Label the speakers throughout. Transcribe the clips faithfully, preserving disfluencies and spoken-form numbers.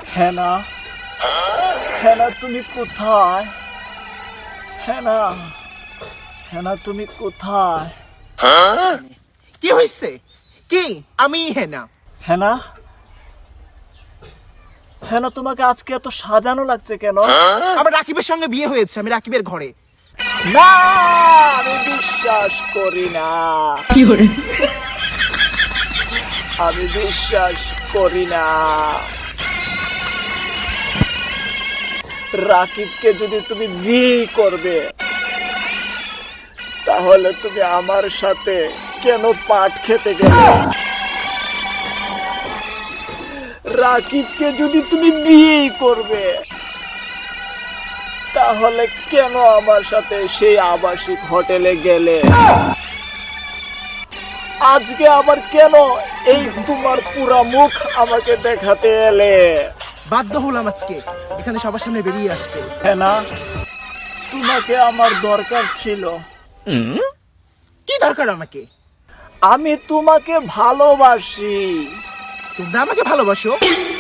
Speaker 1: হেনা, হেনা তুমি কোথায়? হেনা, হেনা তুমি কোথায়?
Speaker 2: কি হয়েছে? কি আমি হেনা?
Speaker 1: হেনা, হেনা তোমাকে আজকে এত সাজানো লাগছে কেন?
Speaker 2: আমার রাকিবের সঙ্গে বিয়ে হয়েছে, আমি রাকিবের ঘরে।
Speaker 1: না, আমি বিশ্বাস করি না। আমি বিশ্বাস করি না। রাকিবকে যদি তুমি বিয়ে করবে, তাহলে তুমি আমার সাথে কেন পাট খেতে গেলে? রাকিবকে যদি তুমি বিয়ে করবে, তাহলে কেন আমার সাথে সেই আবাসিক হোটেলে গেলে? আজকে আবার কেন এই তোমার পুরা মুখ আমাকে দেখাতে এলে?
Speaker 2: বাধ্য হলাম আজকে এখানে সবার সামনে বেরিয়ে আসতে।
Speaker 1: হেনা, তোমাকে আমার দরকার ছিল।
Speaker 2: কি দরকার আমাকে?
Speaker 1: আমি তোমাকে ভালোবাসি।
Speaker 2: তোমরা আমাকে ভালোবাসো?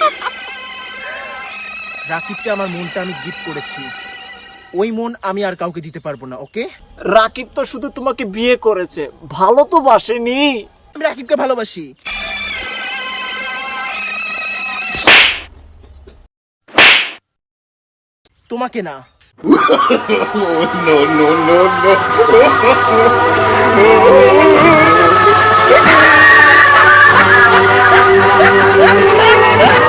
Speaker 2: রাকিবকে আমার মনটা আমি গিফট করেছি, ওই মন আমি আর কাউকে দিতে পারবো না। ওকে?
Speaker 1: রাকিব তো শুধু তোমাকে বিয়ে করেছে, ভালো তো বাসেনি।
Speaker 2: আমি রাকিবকে ভালোবাসি। তোমাকে না।
Speaker 3: no, no, no, no.